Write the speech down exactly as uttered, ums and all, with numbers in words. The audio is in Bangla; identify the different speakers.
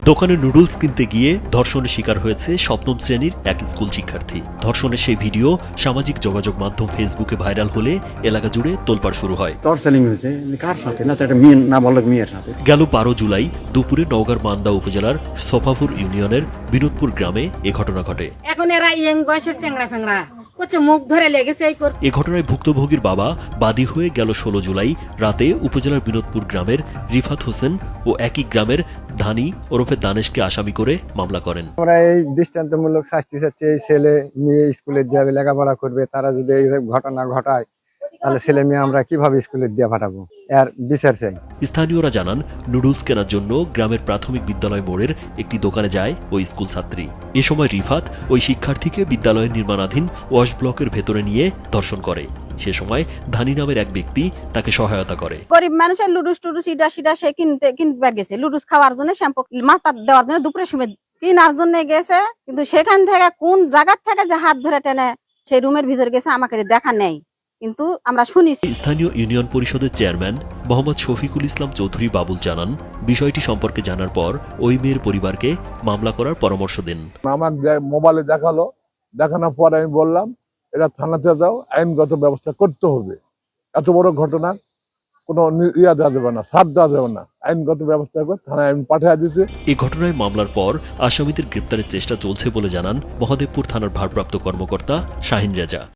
Speaker 1: দোকানে নুডলস কিনতে গিয়ে ধর্ষণের শিকার হয়েছে সপ্তম শ্রেণীর এক স্কুল শিক্ষার্থী। ধর্ষণের সেই ভিডিও সামাজিক যোগাযোগ মাধ্যম ফেসবুকে ভাইরাল হলে এলাকা জুড়ে তোলপাড় শুরু হয়।
Speaker 2: টর্চারিং হয়েছে কার সাথে না, তো একটা মেয়ে নাবালক মেয়ের সাথে।
Speaker 1: গেল বারো জুলাই দুপুরে নওগাঁর মান্দা উপজেলার সোফাপুর ইউনিয়নের বিনোদপুর গ্রামে এ ঘটনা ঘটে।
Speaker 3: এখন এরা ইয়ং বয়সের চেংড়া ফেংড়া করছে, মুখ ধরে লেগেছে এই করছে।
Speaker 1: এ ঘটনায় ভুক্তভোগীর বাবা বাদী হয়ে গেল ষোলো জুলাই রাতে উপজেলার বিনোদপুর গ্রামের রিফাত হোসেন ও একই গ্রামের ধানি ওরফে দানেশকে আসামি করে মামলা করেন।
Speaker 4: আমরা এই দৃষ্টান্তমূলক শাস্তি চাচ্ছি, এই ছেলে মেয়ে স্কুলে যাবে, লেখাপড়া করবে, তারা যদি এই ঘটনা ঘটায় তাহলে ছেলে মেয়ে আমরা কিভাবে স্কুলে দিয়ে পাঠাবো, এর বিচার চাই।
Speaker 1: স্থানীয়রা জানান, নুডলস কেনার জন্য গ্রামের প্রাথমিক বিদ্যালয় মোড়ের একটি দোকানে যায় ওই স্কুল ছাত্রী। এ সময় রিফাত ওই শিক্ষার্থীকে বিদ্যালয়ের নির্মাণাধীন ওয়াশ ব্লকের ভেতরে নিয়ে ধর্ষণ করে। সে সময় ধানি নামের এক ব্যক্তি তাকে সহায়তা করে।
Speaker 5: গরিব মানুষের লুডুস টুডুস ইডা সিডা সে কিনতে কিনতে গেছে, লুডুস খাওয়ার জন্য, শ্যাম্পু মাথা দেওয়ার জন্য, দুপুরে সময় কেনার জন্য গেছে। কিন্তু সেখান থেকে কোন জায়গার থেকে যে হাত ধরে টেনে সেই রুমের ভিতরে গেছে আমাকে দেখা নেই, কিন্তু আমরা শুনেছি।
Speaker 1: স্থানীয় ইউনিয়ন পরিষদের চেয়ারম্যান মোহাম্মদ শফিকুল ইসলাম চৌধুরী বাবুল জানান, বিষয়টি সম্পর্কে জানার পর ওই মেয়ের পরিবারকে মামলা করার পরামর্শ দেন।
Speaker 6: আমার মোবাইলে দেখালো, দেখানোর পর আমি বললাম এটা থানাতে যাও, আইনগত ব্যবস্থা করতে হবে। এত বড় ঘটনা কোনো ইয়া দেওয়া যাবে না, ছাড় দেওয়া যাবে না, আইনগত ব্যবস্থা করে থানায় আমি পাঠিয়ে দিয়েছি।
Speaker 1: এই ঘটনায় মামলার পর আসামিদের গ্রেপ্তারের চেষ্টা চলছে বলে জানান মহাদেবপুর থানার ভারপ্রাপ্ত কর্মকর্তা শাহিন রেজা।